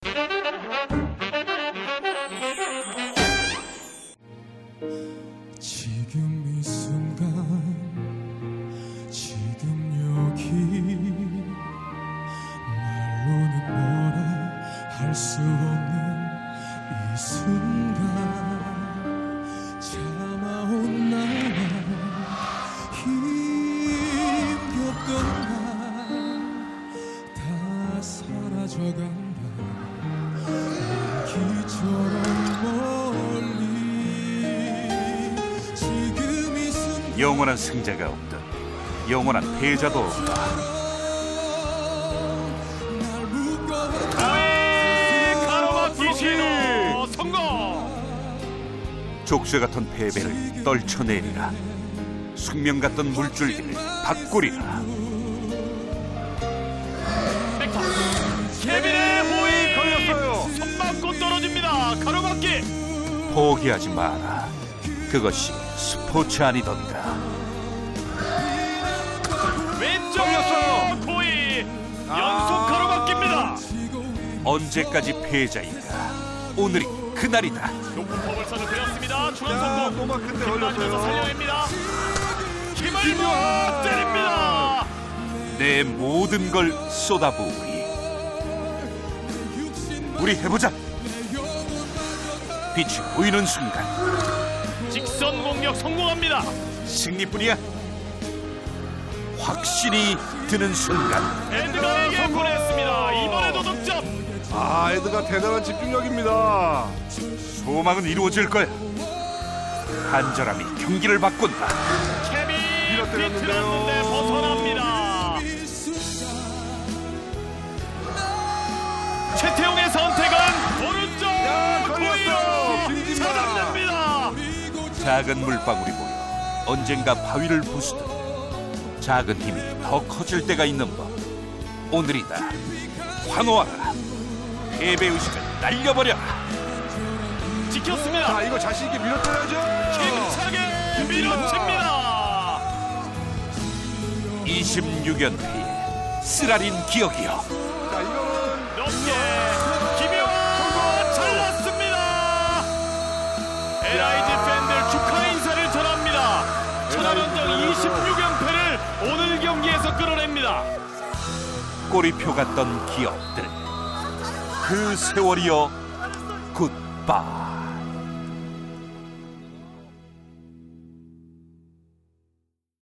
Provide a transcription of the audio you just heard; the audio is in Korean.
지금 이 순간 지금 여기 말로는 뭐라 할 수 없는 이 순간 참아온 나와 힘겹던 날 다 사라져간다 연기처럼 멀리 지금 이 순간 영원한 승자가 없다. 영원한 패자도 없다. 족쇄 같은 패배를 떨쳐내리라. 숙명 같던 물줄기를 바꾸리라. 케빈의 호에 걸렸어요. 손 맞고 떨어집니다. 가로막기. 포기하지 마라. 그것이 스포츠 아니던가. 왼쪽 고이 연속 가로막기입니다. 언제까지 패자인가. 오늘이 그날이다. 높은 퍼블선을 그렸습니다. 중앙 성공. 노마크인데 힘만져서 걸렸어요. 살려냅니다. 힘을 모아 때립니다. 내 모든 걸 쏟아부으리. 우리 해보자. 빛이 보이는 순간 직선 공격 성공합니다. 승리뿐이야. 확신이 드는 순간 에드가에게 보냈습니다. 이번에도 득점. 아, 에드가 대단한 집중력입니다. 소망은 이루어질 거야. 간절함이 경기를 바꾼다. 케빈 밀어때렸는데요. 비틀었는데 벗어납니다. 최태용의 선택은 오른쪽 걸렸어. 고의로 빈집니다. 찾아냅니다. 작은 물방울이 보여 언젠가 바위를 부수듯 작은 힘이 더 커질 때가 있는 법. 오늘이다. 환호하라. 패배의식을 날려버려라. 지켰습니다. 자, 이거 자신 있게 밀어뜨려야죠. 힘차게 밀어칩니다. 26연패의 쓰라린 기억이여. 자, 이거는 높게 김효아 잘랐습니다. LIG 팬들 축하 인사를 전합니다. 천하연정 26연패를 오늘 경기에서 끌어냅니다. 꼬리표 같던 기억들. 그 세월이여 굿바이.